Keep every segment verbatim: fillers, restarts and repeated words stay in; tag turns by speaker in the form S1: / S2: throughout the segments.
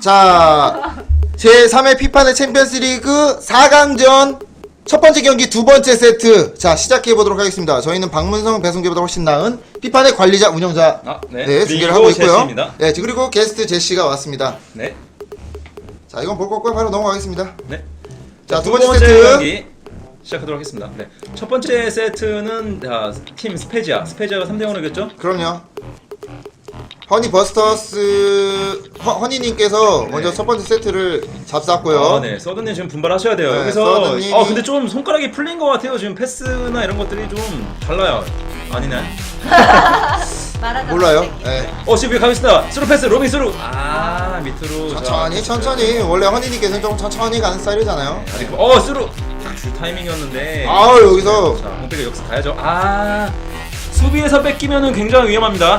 S1: 자, 제삼 회 피파 내 챔피언스 리그 사 강전 첫 번째 경기 두 번째 세트. 자, 시작해 보도록 하겠습니다. 저희는 박문성, 배송재보다 훨씬 나은 피파 내 관리자, 운영자
S2: 아, 네.
S1: 네, 중계를 하고 있고요.
S2: 제시입니다.
S1: 네, 그리고 게스트 제시가 왔습니다.
S2: 네.
S1: 자, 이건 볼 거고요. 바로 넘어가겠습니다.
S2: 네.
S1: 자, 두
S2: 두
S1: 번째,
S2: 번째
S1: 세트.
S2: 경기 시작하도록 하겠습니다. 네. 첫 번째 세트는 아, 팀 스페지아. 스페지아가 삼 대 영으로 이겼죠?
S1: 그럼요. 허니 버스터스 허, 허니님께서
S2: 네.
S1: 먼저 첫 번째 세트를 잡쌌고요.
S2: 아, 네. 서든님 지금 분발하셔야 돼요.
S1: 네,
S2: 여기서
S1: 서든님이-
S2: 아, 근데 좀 손가락이 풀린 것 같아요. 지금 패스나 이런 것들이 좀 달라요. 아니네.
S3: 말하다
S1: 몰라요.
S3: 갑자기.
S1: 네.
S2: 어, 지금 가겠습니다. 스루 패스, 로빙 스루. 아, 밑으로.
S1: 천천히
S2: 자,
S1: 천천히. 원래 허니님께서는 좀 천천히 가는 스타일이잖아요.
S2: 네. 어, 스루. 줄 타이밍이었는데.
S1: 아우, 여기서
S2: 자, 공백이 여기서 가야죠. 아, 수비에서 뺏기면은 굉장히 위험합니다.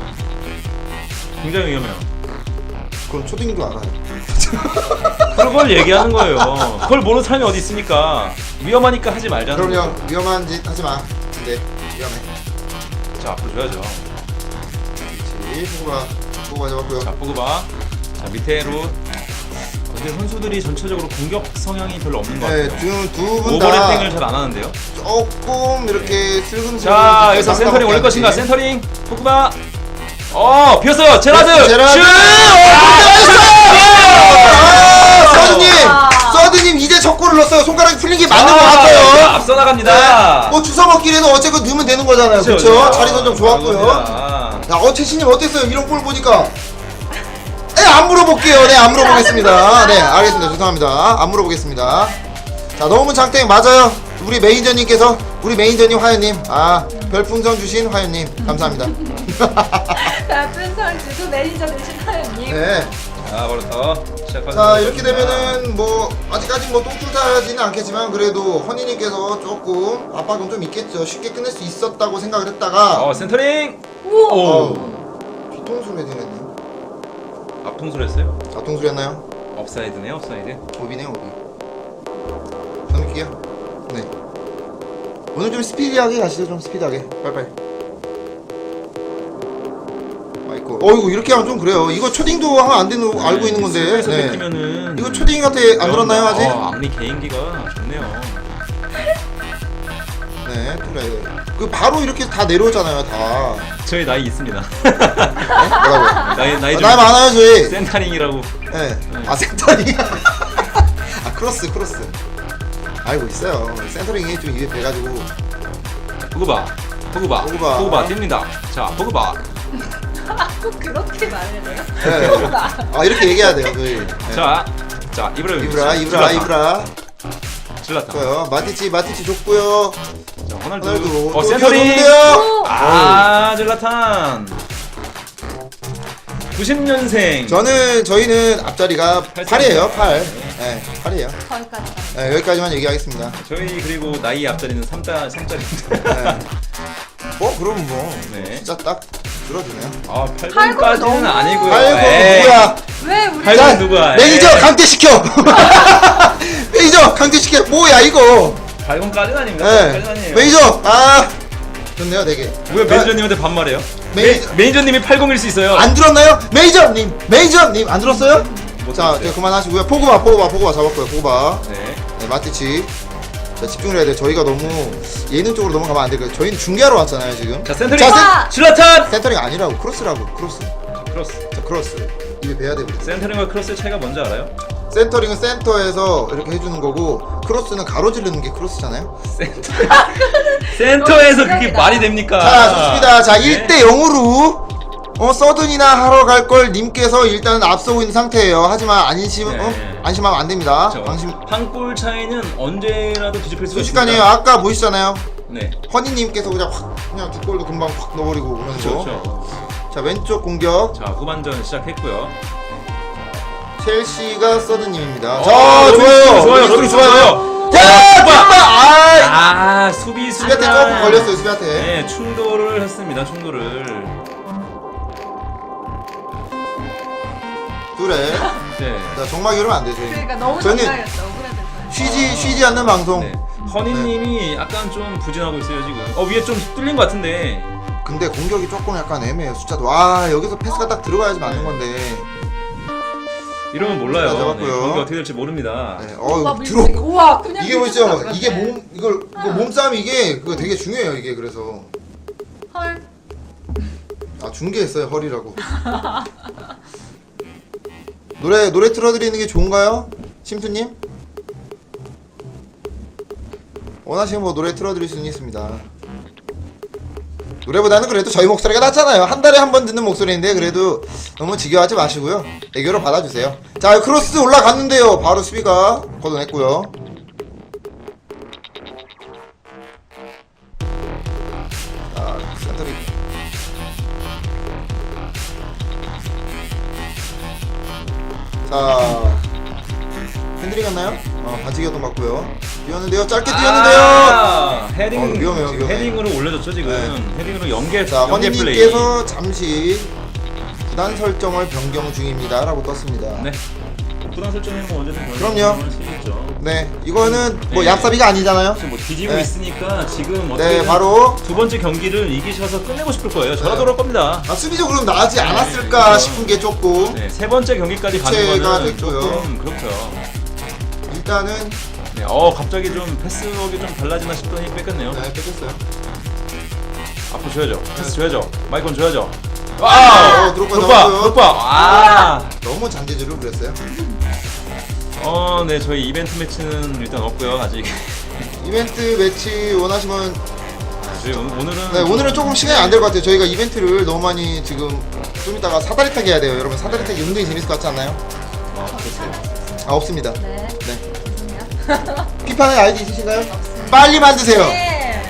S2: 굉장히 위험해요.
S1: 그럼 초딩도 알아요.
S2: 그걸 얘기하는 거예요. 그걸 모르는 사람이 어디 있습니까? 위험하니까 하지 말자는
S1: 그럼요.
S2: 거죠.
S1: 위험한 짓 하지 마. 근데 위험해.
S2: 자, 앞으로 줘야죠.
S1: 그렇지. 포구가 포구가 잡았고요.
S2: 자, 보고 봐. 자, 밑에로. 근데 선수들이 전체적으로 공격 성향이 별로 없는 것
S1: 네,
S2: 같아요.
S1: 지금 두 분 다
S2: 오버래핑을 잘 안 하는데요.
S1: 조금 이렇게 슬금슬금.
S2: 자,
S1: 이렇게
S2: 여기서
S1: 깜깜하게
S2: 센터링 올릴
S1: 하는지.
S2: 것인가? 센터링. 포크바. 어, 비었어요. 제라드.
S1: 제라드.
S2: 슛!
S1: 아, 서드님,
S3: 아.
S1: 서드님 이제 첫 골을 넣었어요. 손가락이 풀린 게 맞는 것
S2: 아,
S1: 같아요.
S2: 앞서 나갑니다.
S1: 뭐 주워 먹기에는 어쨌건 넣으면 되는 거잖아요. 그렇죠? 자리 선정 좋았고요.
S2: 아,
S1: 야, 어, 채신님 어땠어요? 이런 골 보니까. 네, 안 물어볼게요. 네, 안 물어보겠습니다. 네, 알겠습니다. 죄송합니다. 안 물어보겠습니다. 자, 너무 장땡 맞아요. 우리 매니저님께서, 우리 매니저님 화연님, 아, 별풍선 주신 화연님, 감사합니다.
S3: 별풍선 주고 매니저 되신 하연님.
S1: 네.
S2: 자, 벌써 시작하도록
S1: 자, 이렇게
S2: 하겠습니다.
S1: 되면은 뭐 아직까지 뭐 똥줄타지는 않겠지만 그래도 허니님께서 조금 압박은 좀 있겠죠. 쉽게 끝낼 수 있었다고 생각을 했다가
S2: 어, 센터링.
S3: 우와.
S2: 오.
S1: 어우, 뒤통수를 해드렸네.
S2: 앞통수를 했어요.
S1: 앞통수 했나요?
S2: 업사이드네요, 업사이드.
S1: 오비네 오비. 넘길게요. 네. 오늘 좀 스피디하게 가시죠. 좀 스피디하게. 빨리빨리. 아이고. 어이구 이렇게 하면 좀 그래요. 이거 초딩도 하면 안 되는 거 알고 있는 건데.
S2: 수비에서
S1: 네.
S2: 뺏기면은
S1: 이거 초딩한테 안 들었나요 아직?
S2: 어, 악리 개인기가 좋네요.
S1: 네. 그래. 그 바로 이렇게 다 내려오잖아요. 다.
S2: 저희 나이 있습니다.
S1: 네? 뭐라고요?
S2: 나이 나이
S1: 아,
S2: 좀
S1: 나이 많아요 저희.
S2: 센터링이라고.
S1: 네. 아 센터링. 아 크로스 크로스. 알고 있어요. 센터링이 좀 이게 돼가지고.
S2: 보고봐, 보고봐,
S1: 보고봐.
S2: 보고봐, 뜁니다. 자, 보고봐.
S3: 꼭 그렇게 말해야 돼요?
S1: 네. 아 이렇게 얘기해야 돼요 저희. 네.
S2: 자, 자, 이브라
S1: 이브라 이브라 이브라.
S2: 질렀다.
S1: 좋아요. 마티치 마티치 좋고요.
S2: 자, 호날두.
S1: 호날두.
S2: 어,
S1: 또
S2: 센터링.
S1: 좋은데요?
S2: 아, 질라탄. 구십 년생.
S1: 저는 저희는 앞자리가
S2: 팔
S1: 팔이에요. 팔. 네, 팔이에요.
S3: 거기까지.
S1: 네, 여기까지만 얘기하겠습니다.
S2: 저희 그리고 나이 앞자리는 삼자 삼자리인데.
S1: 네. 어 그럼 뭐
S2: 네.
S1: 진짜 딱 들어주네요.
S2: 아,
S3: 팔
S2: 팔
S3: 번
S2: 번까지는
S3: 너무-
S2: 아니고요.
S1: 아이고
S2: 에이.
S1: 누구야?
S3: 왜 우리
S2: 팔 번 누구야?
S1: 매니저
S2: 에이.
S1: 강퇴시켜. 매니저 강퇴시켜. 뭐야 이거?
S2: 팔 번까지는 아닙니다.
S1: 네.
S2: 팔 번까지는 아니에요.
S1: 매니저 아 좋네요 되게.
S2: 왜 매니저님한테 반말해요?
S1: 매니저-
S2: 매, 매니저님이 팔십일 수 있어요.
S1: 안 들었나요? 매니저님 매니저님 안 들었어요?
S2: 못
S1: 자
S2: 들었어요.
S1: 이제 그만하시고요. 포그바 포그바 포그바 잡았고요. 포그바.
S2: 네.
S1: 네, 마티치. 자 집중을 해야 돼. 저희가 너무 예능 쪽으로 넘어가면 안 될까요? 저희는 중계하러 왔잖아요 지금.
S2: 자, 센터링.
S1: 자,
S3: 센-
S2: 질라탄.
S1: 센터링 아니라고 크로스라고 크로스.
S2: 자, 크로스.
S1: 자 크로스. 입에 배야 돼. 우리.
S2: 센터링과 크로스의 차이가 뭔지 알아요?
S1: 센터링은 센터에서 이렇게 해주는 거고 크로스는 가로지르는 게 크로스잖아요.
S2: 센터. 센터에서 그게
S3: 어,
S2: 말이 됩니까?
S1: 자 좋습니다. 자
S2: 네.
S1: 일 대 영으로 어 서든이나 하러 갈 걸 님께서 일단은 앞서고 있는 상태예요. 하지만 안심
S2: 네.
S1: 어? 안심하면 안 됩니다.
S2: 그렇죠.
S1: 방심
S2: 한 골 차이는 언제라도 뒤집힐 수가
S1: 순식간이에요.
S2: 있습니다.
S1: 아까 보시잖아요.
S2: 네.
S1: 허니님께서 그냥 확 그냥 두 골도 금방 확 넣어버리고 오면서.
S2: 그렇죠. 그렇죠.
S1: 자 왼쪽 공격
S2: 자, 후반전 시작했고요.
S1: 첼시가 서든님입니다.
S2: 어,
S1: 자
S2: 로빈
S1: 좋아요.
S2: 좋아요.
S1: 로빈
S2: 로빈
S1: 좋아요.
S2: 좋아요.
S1: 야 정말 아
S2: 아, 수비 수비.
S1: 수비한테 조금 걸렸어요. 수비한테.
S2: 네, 충돌을 했습니다. 충돌을.
S1: 둘에
S2: 네.
S1: 자 정말 이러면 안 되죠.
S3: 그러니까 너무
S1: 저는
S3: 정상이었어. 억울해졌어요.
S1: 쉬지 쉬지 않는 방송.
S2: 네. 허니님이 약간 좀 부진하고 있어요 지금. 어, 위에 좀 뚫린 것 같은데.
S1: 근데 공격이 조금 약간 애매해요. 숫자도 와 여기서 패스가 딱 들어가야지 맞는 건데
S2: 이러면 몰라요.
S1: 자,
S2: 네,
S1: 잡았고요.
S2: 경기 어떻게 될지 모릅니다.
S1: 네,
S3: 오빠
S1: 어
S3: 밀고
S1: 들어.
S3: 우와 그냥
S1: 이게
S3: 밀고
S1: 보시죠.
S3: 들어갔네.
S1: 이게 몸 이걸 이거 몸싸움 이게 그거 되게 중요해요. 이게 그래서
S3: 헐.
S1: 아 중계했어요 허리라고. 노래 노래 틀어드리는 게 좋은가요, 심수님? 원하시면 뭐 노래 틀어드릴 수는 있습니다. 노래보다는 그래도 저희 목소리가 낫잖아요. 한 달에 한 번 듣는 목소리인데 그래도 너무 지겨워하지 마시고요. 애교로 받아주세요. 자 크로스 올라갔는데요. 바로 수비가 걷어냈고요. 자 센터리. 자 핸들이 갔나요? 어 반칙이었던 것 같고요. 뛰었는데요. 짧게 뛰었는데요.
S2: 아, 헤딩
S1: 어, 위험해요,
S2: 지금
S1: 위험해.
S2: 헤딩으로 올려줬죠 지금.
S1: 네.
S2: 헤딩으로 연계
S1: 자
S2: 연계 플레이.
S1: 허니님께서 잠시 구단 설정을 변경 중입니다 라고 떴습니다.
S2: 네. 부담 설정이 뭐 언제든
S1: 그럼요.
S2: 변경할 수 있죠.
S1: 네 이거는 뭐
S2: 네.
S1: 얍삽이가 아니잖아요.
S2: 지금 뭐 뒤지고
S1: 네.
S2: 있으니까 지금
S1: 네
S2: 어떻게
S1: 바로
S2: 두 번째 경기를 이기셔서 끝내고 싶을 거예요. 저라
S1: 네.
S2: 돌아올 겁니다.
S1: 아, 수비적으로 나지 않았을까
S2: 그렇죠.
S1: 싶은 게 조금
S2: 네, 세 번째 경기까지 가는
S1: 교체가
S2: 거는
S1: 됐고요.
S2: 조금 그렇죠.
S1: 일단은
S2: 네, 어 갑자기 좀 패스웍이 좀 달라지나 싶더니 뺏겼네요.
S1: 네 뺏겼어요.
S2: 앞으로 줘야죠. 패스 줘야죠. 마이콘 줘야죠.
S1: 어,
S2: 와!
S1: 드롭바
S2: 드롭바!
S1: 나왔고요.
S2: 드롭바! 아!
S1: 너무 잔재주를 부렸어요.
S2: 어, 네, 저희 이벤트 매치는 일단 없고요, 아직.
S1: 이벤트 매치 원하시면
S2: 저희 오늘, 오늘은
S1: 네 오늘은 조금 시간이 안 될 것 같아요. 저희가 이벤트를 너무 많이 지금 좀 이따가 사다리 타기 해야 돼요. 여러분 사다리 타기 은근히 재밌을 것 같지 않나요?
S2: 아, 그렇어요.
S1: 아 없습니다.
S3: 네.
S1: 네.
S3: 죄송해요.
S1: 피파는 아이디 있으신가요?
S3: 없습니다.
S1: 빨리 만드세요.
S3: 네.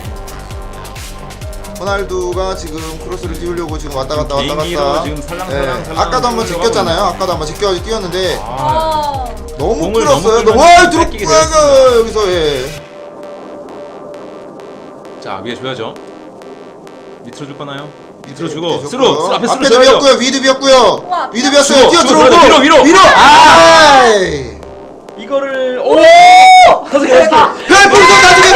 S1: 호날두가 지금 크로스를 띄우려고 지금 왔다 갔다 왔다
S2: 개인기로
S1: 갔다.
S2: 지금 살랑살랑 살랑
S1: 아까도 한번
S2: 뛰어가고
S1: 제꼈잖아요.
S2: 있네요.
S1: 아까도 한번 제껴 뛰었는데
S2: 아,
S3: 어.
S1: 너무
S2: 공을
S1: 끌었어요.
S2: 너무
S1: 와
S2: 끌면 뺏기게
S1: 드롭바가 여기서 예.
S2: 자, 위에 줘야죠. 밑으로 줄 거나요? 밑으로
S1: 네,
S2: 주고,
S1: 줬고요.
S2: 스루! 스루! 앞에 스루
S1: 앞에
S2: 줘야죠!
S1: 비었고요. 위드 비었고요.
S3: 우와,
S1: 위드
S2: 주고,
S1: 비었어요. 뛰어
S2: 주고,
S1: 들어오고
S2: 위로, 위로, 위로!
S1: 아!
S2: 이거를, 오! 다섯 개, 다섯 개!
S1: 별풍선 나중에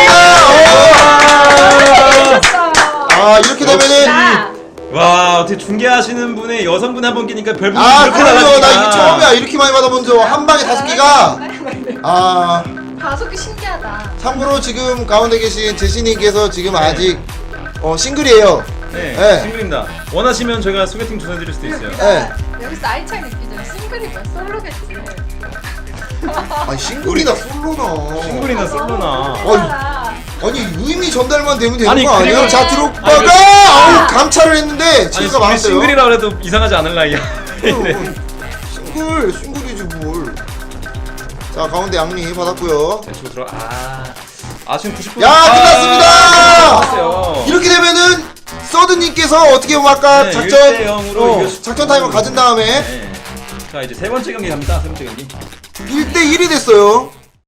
S1: 감사드립니다. 아 이렇게 되면은
S3: 자,
S2: 와, 어떻게 중계하시는 분의 여성분 한 분 끼니까 별풍선
S1: 아
S2: 이렇게
S1: 그럼요.
S2: 나가니까.
S1: 나 이게 처음이야. 이렇게 많이 받아본 적 한 방에 다섯 개가. 아
S3: 다섯 개 신기하다.
S1: 참고로 지금 가운데 계신 제시님께서 지금 아직 어 싱글이에요.
S2: 네,
S1: 네.
S2: 싱글입니다. 원하시면 저희가 소개팅 전해드릴 수도 있어요.
S1: 네.
S3: 여기서 나이 차이 느끼죠. 싱글이고 솔로겠지.
S1: 아니 싱글이나 솔로나.
S2: 싱글이나 솔로나.
S3: 어,
S1: 아니 의미 전달만 되면 되는
S2: 아니,
S1: 거 아니에요?
S2: 그리고-
S1: 자
S2: 아니,
S1: 드롭바가
S2: 그-
S1: 아우 감찰을 했는데
S2: 아니,
S1: 치가
S2: 우리
S1: 많았어요.
S2: 싱글이라 그래도 이상하지 않을 나이야.
S1: 어, 싱글 싱글이지 뭘. 자 가운데 양리 받았고요.
S2: 대충 들어. 아, 아 지금 구십 분.
S1: 야
S2: 아,
S1: 끝났습니다.
S2: 끝났어요.
S1: 이렇게 되면은 서드님께서 어떻게 보면 아까
S2: 네,
S1: 작전
S2: 일 대 영으로
S1: 어,
S2: 이겼-
S1: 작전 타임을 가진 다음에
S2: 네. 자 이제 세 번째 경기 갑니다. 세 번째 경기.
S1: 일 대 일이 됐어요.